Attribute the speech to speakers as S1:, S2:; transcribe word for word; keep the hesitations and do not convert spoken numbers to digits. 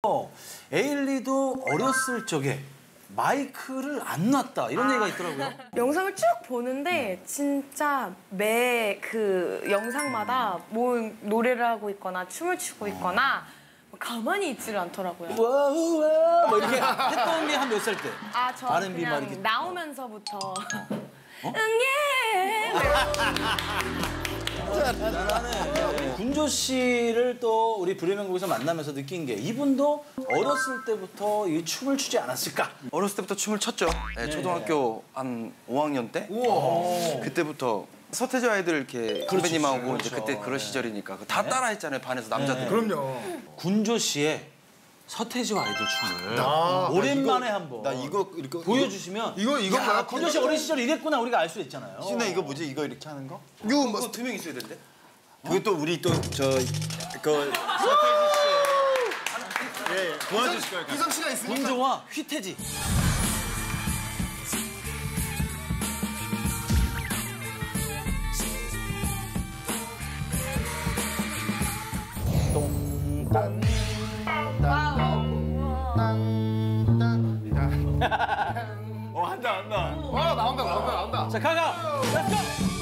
S1: 에일리도 어렸을 적에 마이크를 안 놨다 이런 아. 얘기가 있더라고요.
S2: 영상을 쭉 보는데 진짜 매 그 영상마다 뭐 노래를 하고 있거나 춤을 추고 있거나 가만히 있지를 않더라고요.
S1: 와우와 뭐 이렇게 했던 게 한 몇 살 때?
S2: 아, 저
S1: 아르앤비
S2: 그냥
S1: 이렇게...
S2: 나오면서부터
S1: 어? 어?
S2: 응예.
S1: 나는 군조 씨를 또 우리 불효명곡에서 만나면서 느낀 게 이분도 어렸을 때부터 이 춤을 추지 않았을까?
S3: 어렸을 때부터 춤을 췄죠. 네, 네. 초등학교 한 오 학년 때.
S1: 우와.
S3: 그때부터 서태지 아이들 이렇게 선배님하고 그렇죠. 이제 그때 그런 시절이니까 다 네. 따라했잖아요. 반에서 남자들.
S4: 네. 그럼요.
S1: 군조 씨의 서태지와 아이들 춤을 아, 오랜만에 한번
S3: 나 이거 이렇게
S1: 보여주시면
S4: 이거 이거
S1: 야, 군조 씨 어린 시절 이랬구나 우리가 알 수 있잖아요.
S3: 신나 이거 뭐지? 이거 이렇게 하는 거?
S4: 이거 뭐
S3: 두 명 있어야 되는데? 그게 또 우리 또 저 그 서태지 씨 예, 예. 도와주실 거예요.
S4: 희성 씨가 있으니까.
S1: 군조와 휘태지. 똥딴
S4: 어 한다 한다. 어 나온다 나온다 나온다.
S1: 자 가가. 렛츠고.